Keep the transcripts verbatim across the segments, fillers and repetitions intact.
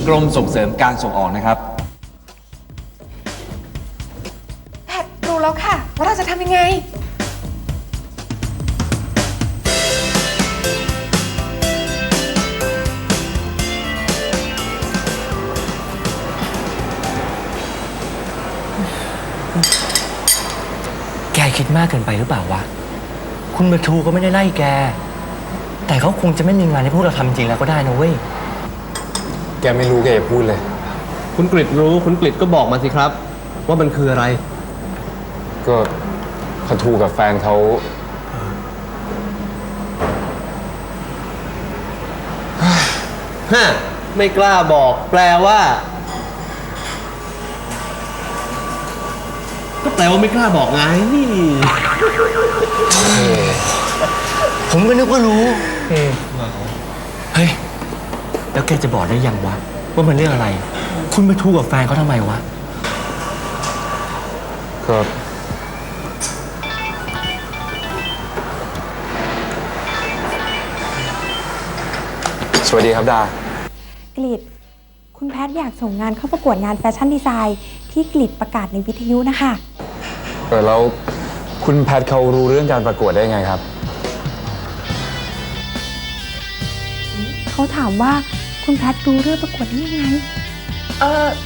กรมส่งเสริมการส่งออกนะครับแพทรู้แล้วค่ะว่าเราจะทำยังไงแกคิดมากเกินไปหรือเปล่าวะคุณประทูก็ไม่ได้ไล่แกแต่เขาคงจะไม่มีงานให้พวกเราทำจริงแล้วก็ได้นะเว้ยแกไม่รู้แกอย่าพูดเลยคุณกฤษรู้คุณกฤษก็บอกมาสิครับว่ามันคืออะไรก็ประทูกับแฟนเขาฮะไม่กล้าบอกแปลว่าก็แปลว่าไม่กล้าบอกไงผมก็นึกว่ารู้เฮ้ยแล้วแกจะบอกได้ยังวะว่ามันเรื่องอะไรคุณไปทูกับแฟนเขาทำไมวะก็สวัสดีครับดากฤษคุณแพทอยากส่งงานเข้าประกวดงานแฟชั่นดีไซน์ที่กฤษประกาศในวิทยุนะคะเออแล้วคุณแพทเขารู้เรื่องการประกวดได้ไงครับเขาถามว่าคุณแพทรู้เรื่องประกวดได้ยังไงเออ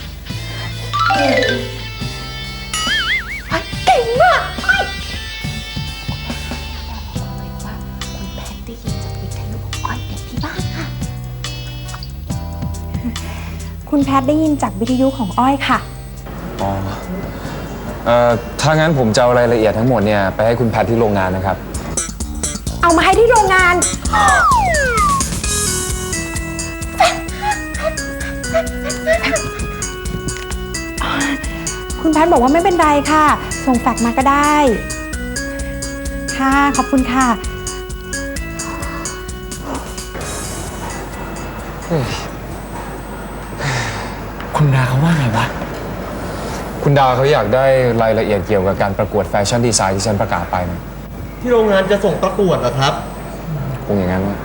เก่งมากคุณแพทได้ยินจากวิทยุของอ้อยเด็กที่บ้านค่ะคุณแพทได้ยินจากวิทยุของอ้อยค่ะอ๋อเอ่อถ้างั้นผมจะเอารายละเอียดทั้งหมดเนี่ยไปให้คุณแพทที่โรงงานนะครับเอามาให้ที่โรงงานคุณแพทบอกว่าไม่เป็นไรค่ะส่งแฟกซ์มาก็ได้ค่ะขอบคุณค่ะคุณดาเขาว่าไงวะคุณดาเขาอยากได้รายละเอียดเกี่ยวกับการประกวดแฟชั่นดีไซน์ที่ฉันประกาศไปนะที่โรงงานจะส่งประกวดเหรอครับคงอย่างนั้นนะ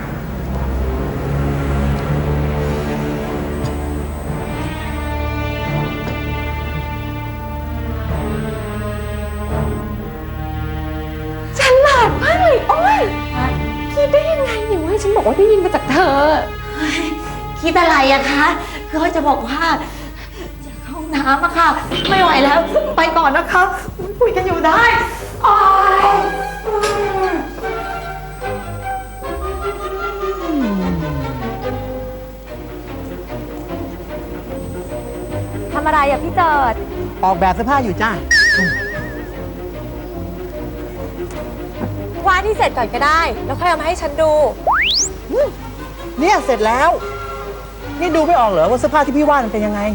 ฉลาดมากเลยอ้อยคิดได้ยังไงเนี่ยว่าฉันบอกว่าได้ยินมาจากเธอคิดอะไรอะคะคือเขาจะบอกว่าอยากเข้าห้องน้ำอะค่ะไม่ไหวแล้วไปก่อนนะคะคุยกันอยู่ได้อ้อยทำอะไรอะพี่เจิดออกแบบเสื้อผ้าอยู่จ้าวาดที่เสร็จก่อนก็ได้แล้วค่อยเอามาให้ฉันดูเนี่ยเสร็จแล้วนี่ดูไม่ออกเหรอว่าเสื้อผ้าที่พี่วาดมันเป็นยังไง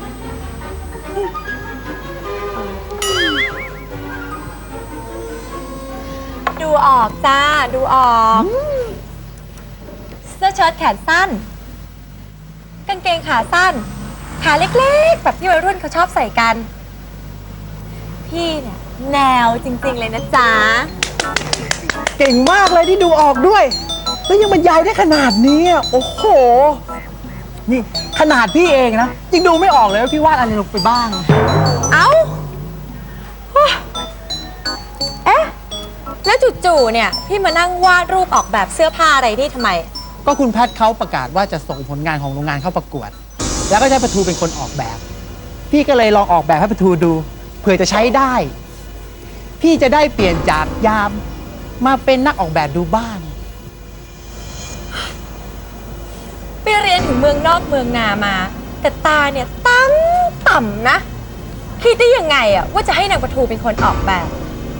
ดูออกจ้าดูออกเสื้อเชิ้ตแขนสั้นกางเกงขาสั้นขาเล็กๆแบบที่วัยรุ่นเขาชอบใส่กันพี่เนี่ยแนวจริงๆเลยนะจ๊ะเก่งมากเลยที่ดูออกด้วยแล้วยังบรรยายได้ขนาดนี้โอ้โหนี่ขนาดพี่เองนะยังดูไม่ออกเลยว่าพี่วาดอะไรลงไปบ้างเอ้าเอ๊ะแล้วจู่ๆเนี่ยพี่มานั่งวาดรูปออกแบบเสื้อผ้าอะไรนี่ทำไมก็คุณแพทเขาประกาศว่าจะส่งผลงานของโรงงานเข้าประกวดแล้วก็ใช้ประทูเป็นคนออกแบบพี่ก็เลยลองออกแบบให้ประทูดูเผื่อจะใช้ได้พี่จะได้เปลี่ยนจากยามมาเป็นนักออกแบบดูบ้างไปเรียนถึงเมืองนอกเมืองนามาแต่ตาเนี่ยต่ำต่ำนะคิดได้ยังไงอะว่าจะให้นางประทูเป็นคนออกแบบ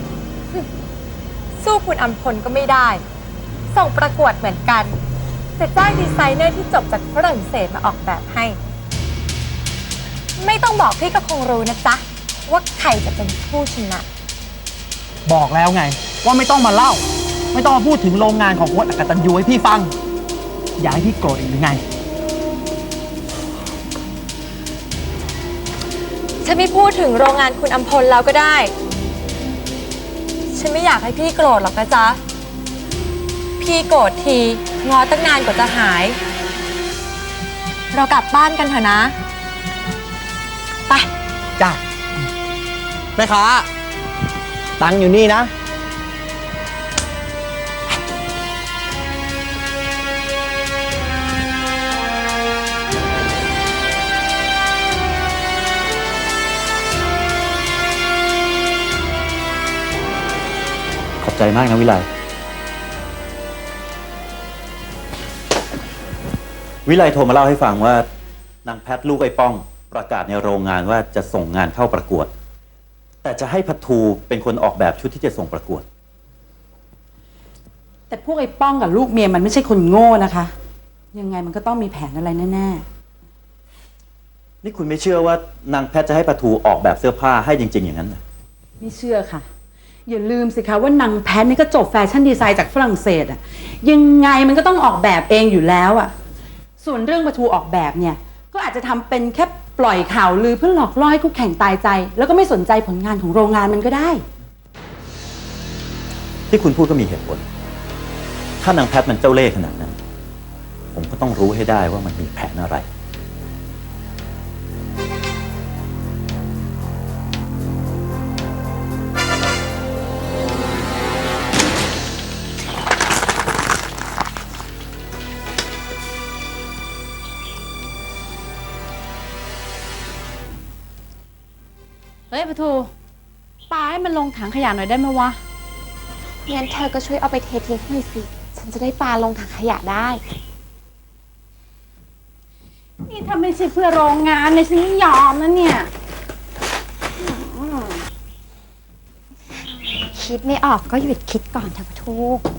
สู้คุณอำพลก็ไม่ได้ส่งประกวดเหมือนกันแต่จ้างดีไซเนอร์ที่จบจากฝรั่งเศสมาออกแบบให้ไม่ต้องบอกพี่ก็คงรู้นะจ๊ะว่าใครจะเป็นผู้ชนะบอกแล้วไงว่าไม่ต้องมาเล่าไม่ต้องมาพูดถึงโรงงานของวัดอกตัญญูให้พี่ฟังอยากให้พี่โกรธอีกหรือไงฉันไม่พูดถึงโรงงานคุณอำพลแล้วก็ได้ฉันไม่อยากให้พี่โกรธหรอกนะจ๊ะพี่โกรธทีงอตั้งนานกว่าจะหายเรากลับบ้านกันเถอะนะ ไปจ้าแม่ค้าตังค์อยู่นี่นะขอบใจมากนะวิไลวิไลโทรมาเล่าให้ฟังว่านางแพทลูกไอ้ป้องประกาศในโรงงานว่าจะส่งงานเข้าประกวด แต่จะให้พัททูเป็นคนออกแบบชุดที่จะส่งประกวดแต่พวกไอ้ป้องกับลูกเมียมันไม่ใช่คนโง่นะคะ ยังไงมันก็ต้องมีแผนอะไรแน่นี่คุณไม่เชื่อว่านางแพทจะให้พัททูออกแบบเสื้อผ้าให้จริง ๆ อย่างนั้นเหรอๆไม่เชื่อค่ะ อย่าลืมสิคะว่านางแพทนี่ก็จบแฟชั่นดีไซน์จากฝรั่งเศสอะยังไงมันก็ต้องออกแบบเองอยู่แล้วอะส่วนเรื่องประทูออกแบบเนี่ยก็อาจจะทำเป็นแค่ปล่อยข่าวลือเพื่อหลอกล่อให้คู่แข่งตายใจ แล้วก็ไม่สนใจผลงานของโรงงานมันก็ได้ที่คุณพูดก็มีเหตุผล ถ้านางแพทมันเจ้าเล่ห์ขนาดนั้น ผมก็ต้องรู้ให้ได้ว่ามันมีแผนอะไรเฮ้ยประทูปาให้มันลงถังขยะหน่อยได้ไหมวะงั้นเธอก็ช่วยเอาไปเททิ้งหน่อยสิ ฉันจะได้ปาลงถังขยะได้นี่ถ้าไม่ใช่เพื่อโรงงานเลยฉันไม่ยอมนะเนี่ยคิดไม่ออกก็หยุดคิดก่อนเถอะปะทู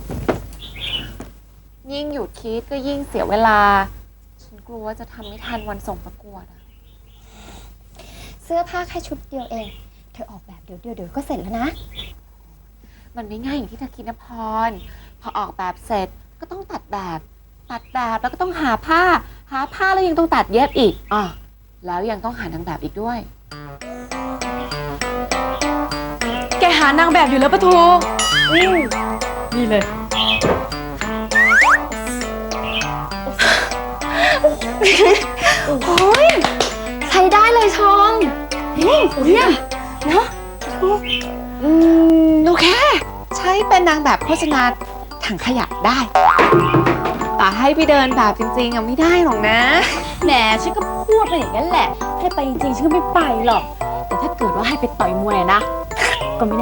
ยิ่งหยุดคิดก็ยิ่งเสียเวลา ฉันกลัวว่าจะทำไม่ทันวันส่งประกวดอะเสื้อผ้าแค่ชุดเดียวเอง เธอออกแบบเดี๋ยวเดียวเดี๋ยวก็เสร็จแล้วนะ มันไม่ง่ายอย่างที่เธอคิดนะพร พอออกแบบเสร็จก็ต้องตัดแบบ ตัดแบบแล้วก็ต้องหาผ้า หาผ้าแล้วยังต้องตัดเย็บอีกอ่ะแล้วยังต้องหานางแบบอีกด้วยแกหานางแบบอยู่แล้วปะทูนี่เลยโอ้ยใช้ได้เลยชองนี่เนี่ยเนาะอืมโอเค ใช้เป็นนางแบบโฆษณาถังขยะได้ แต่ให้ไปเดินแบบจริงๆอ่ะไม่ได้หรอกนะแหมฉันก็พูดไปอย่างนั้นแหละ ให้ไปจริงๆฉันก็ไม่ไปหรอก แต่ถ้าเกิดว่าให้ไปต่อยมวยนะ ก็ไม่แน่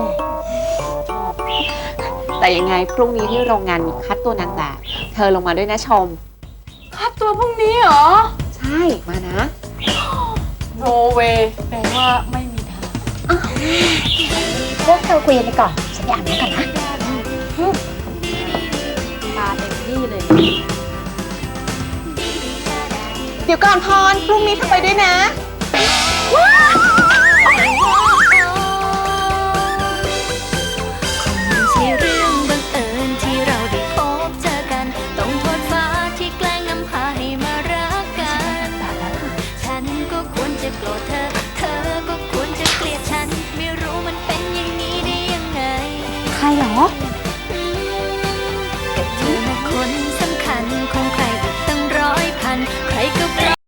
แต่ยังไงพรุ่งนี้ที่โรงงานมีคัดตัวนางแบบ เธอลงมาด้วยนะชมค่าตัวพรุ่งนี้เหรอใช่มานะโนเวแปลว่าไม่มีทางพวกเธอคุยกันไปก่อน ฉันไปอาบน้ำก่อนนะมาเต็มที่เลยเดี๋ยวก่อนพรพรุ่งนี้เธอไปด้วยนะไม่ใช่เรื่องบังเอิญที่เราได้พบเจอกัน ต้องโทษฟ้าที่แกล้งนำพาให้มารักกัน ฉันก็ควรจะโกรธเธอ เธอก็ควรจะเกลียดฉัน ไม่รู้มันเป็นอย่างนี้ได้ยังไงใครเหรอ